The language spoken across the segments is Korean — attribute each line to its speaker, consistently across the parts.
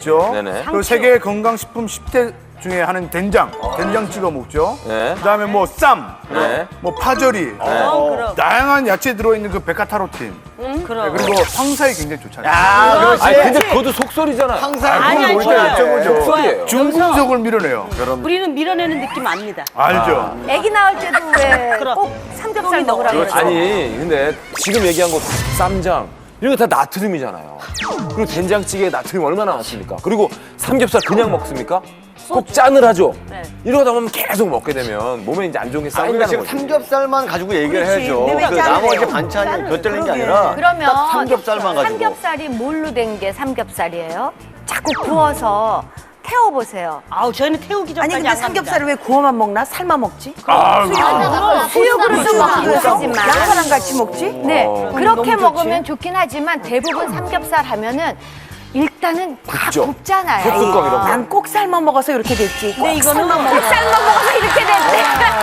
Speaker 1: 있죠.
Speaker 2: 네네.
Speaker 1: 그 세계 건강식품 10대 중에 하는 된장 찍어 먹죠.
Speaker 2: 네.
Speaker 1: 그다음에 뭐 쌈,
Speaker 2: 네.
Speaker 1: 뭐 파절이,
Speaker 3: 그럼.
Speaker 1: 다양한 야채 들어있는 그 베타카로틴.
Speaker 3: 그럼.
Speaker 1: 그리고 황사에 굉장히 좋잖아요.
Speaker 4: 아, 그렇지.
Speaker 2: 아니 근데 그것도 속설이잖아요.
Speaker 4: 항상
Speaker 3: 아니,
Speaker 1: 그걸
Speaker 3: 좋아요.
Speaker 1: 볼 때 여쭤보죠.
Speaker 2: 속설이에요.
Speaker 1: 중금속을 밀어내요.
Speaker 3: 우리는 밀어내는 느낌 압니다.
Speaker 1: 알죠.
Speaker 5: 아기 낳을 때도 왜
Speaker 3: 그럼.
Speaker 5: 꼭 삼겹살 먹으라고 그러죠?
Speaker 2: 아니 근데 지금 얘기한 거 쌈장 이런 거 다 나트륨이잖아요. 그리고 된장찌개에 나트륨 얼마나 많습니까? 그리고 삼겹살 그냥 먹습니까? 꼭 짠을 하죠.
Speaker 3: 네.
Speaker 2: 이러다 보면 계속 먹게 되면 몸에 이제 안 좋은 게
Speaker 4: 아, 우리가
Speaker 2: 쌓인다는
Speaker 4: 지금
Speaker 2: 거죠.
Speaker 4: 삼겹살만 가지고 얘기를
Speaker 5: 그렇지.
Speaker 4: 해야죠.
Speaker 5: 근데 왜
Speaker 4: 그
Speaker 5: 짠을
Speaker 4: 나머지
Speaker 5: 해요?
Speaker 4: 반찬이 곁들이는 게 아니라
Speaker 5: 그러면
Speaker 4: 딱 삼겹살만 가지고.
Speaker 5: 삼겹살이 뭘로 된 게 삼겹살이에요? 자꾸 구워서 태워보세요.
Speaker 3: 아우 저희는 태우기 전까지
Speaker 6: 아니 근데
Speaker 3: 안
Speaker 6: 삼겹살을 왜 구워만 먹나? 삶아 먹지?
Speaker 5: 수육으로도 먹기도 하지만
Speaker 6: 양파랑 같이 먹지?
Speaker 5: 네, 그렇게
Speaker 6: 너무 좋지.
Speaker 5: 먹으면 좋긴 하지만 대부분 삼겹살 하면은 일단은 다
Speaker 2: 굽죠.
Speaker 5: 굽잖아요.
Speaker 2: 소뚜껑 이런 거.
Speaker 6: 난 꼭 삶아 먹어서 이렇게 됐지.
Speaker 3: 근데 이거는
Speaker 5: 삶아 먹어서 이렇게 됐대.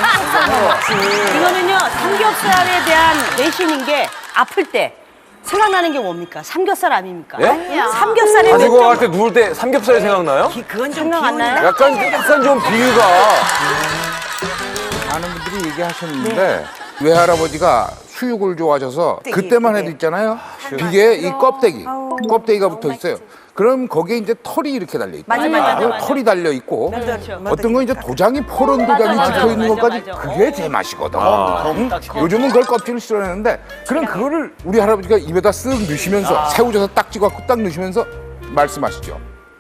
Speaker 3: 이거는요 삼겹살에 대한 내신인 게 아플 때 생각나는 게 뭡니까? 삼겹살 아닙니까?
Speaker 2: 예?
Speaker 5: 아니야.
Speaker 3: 삼겹살에
Speaker 2: 가지고 갈 때 누울 때 삼겹살이 생각나요?
Speaker 6: 그건 좀
Speaker 3: 생각 안 나요?
Speaker 2: 약간 좀 비유가
Speaker 7: 많은 분들이 얘기하셨는데 외할아버지가 수육을 좋아하셔서 그때만 해도 있잖아요. 비계에 이 껍데기가 붙어 있어요. 그럼 거기에 이제 털이 이렇게 달려 있고,
Speaker 3: 맞아.
Speaker 7: 털이 달려 있고,
Speaker 3: 그렇죠.
Speaker 7: 어떤 건 이제 도장이 포런 도장이
Speaker 3: 맞아,
Speaker 7: 찍혀 있는
Speaker 3: 맞아,
Speaker 7: 것까지
Speaker 3: 맞아.
Speaker 7: 그게 제 맛이거든. 응?
Speaker 4: 딱
Speaker 7: 요즘은 그걸 껍질을 썰어내는데 그럼 그거를 우리 할아버지가 입에다 쓱 넣으시면서 새우젓에 딱 찍어갖고 딱 넣으시면서 말씀하시죠.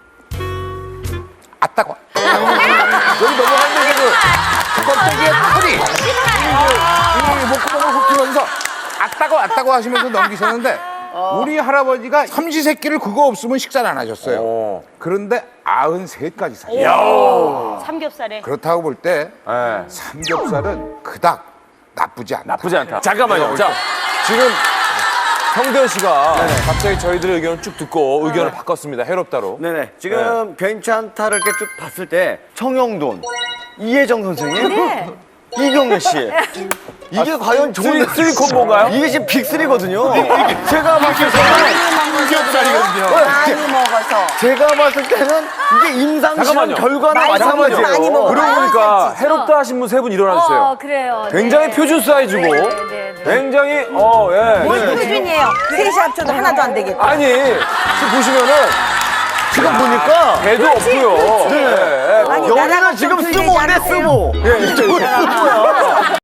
Speaker 7: 아따고. 여기 넘어가는 게 껍데기에 털이 이 목구멍을 훑으면서 아따고 하시면서 넘기셨는데 우리 할아버지가 삼시세끼를 그거 없으면 식사를 안 하셨어요. 그런데 93까지 사셨어요.
Speaker 3: 삼겹살에
Speaker 7: 그렇다고 볼 때
Speaker 2: 예,
Speaker 7: 삼겹살은 그닥 나쁘지 않다.
Speaker 2: 나쁘지 않다. 잠깐만요. 자, 지금 성대현 씨가 갑자기 저희들의 의견을 쭉 듣고 의견을 바꿨습니다. 해롭다로.
Speaker 4: 네네. 지금 괜찮다를 이렇게 쭉 봤을 때 청영돈, 이혜정 선생님,
Speaker 5: 네.
Speaker 4: 이경래 씨. 이게 과연 좋은
Speaker 2: 쓰리 콤보인가요?
Speaker 4: 이게 지금 빅3거든요. 제가 봤을 때는
Speaker 1: 삼겹살이거든요.
Speaker 6: 많이 먹어서.
Speaker 4: 제가 봤을 때는 이게 임상실험
Speaker 2: 잠깐만요.
Speaker 4: 결과나
Speaker 6: 많이
Speaker 4: 마찬가지예요.
Speaker 6: 많이 먹어.
Speaker 2: 그러고 보니까 해롭다 하신 분 세 분 일어나 주세요.
Speaker 5: 그래요.
Speaker 2: 굉장히
Speaker 5: 네.
Speaker 2: 표준 사이즈고
Speaker 5: 네.
Speaker 2: 굉장히 예.
Speaker 6: 뭘 표준이에요? 셋이 합쳐도 하나도 안 되겠다.
Speaker 2: 아니 지금 보시면은
Speaker 4: 지금 보니까
Speaker 2: 배도 없고요. 예.
Speaker 6: 아니,
Speaker 4: 여기는
Speaker 6: 나라가
Speaker 4: 지금
Speaker 6: 좀
Speaker 4: 스모인데
Speaker 6: 들리지 않으세요?
Speaker 4: 스모. 예, 이쪽은 스모야.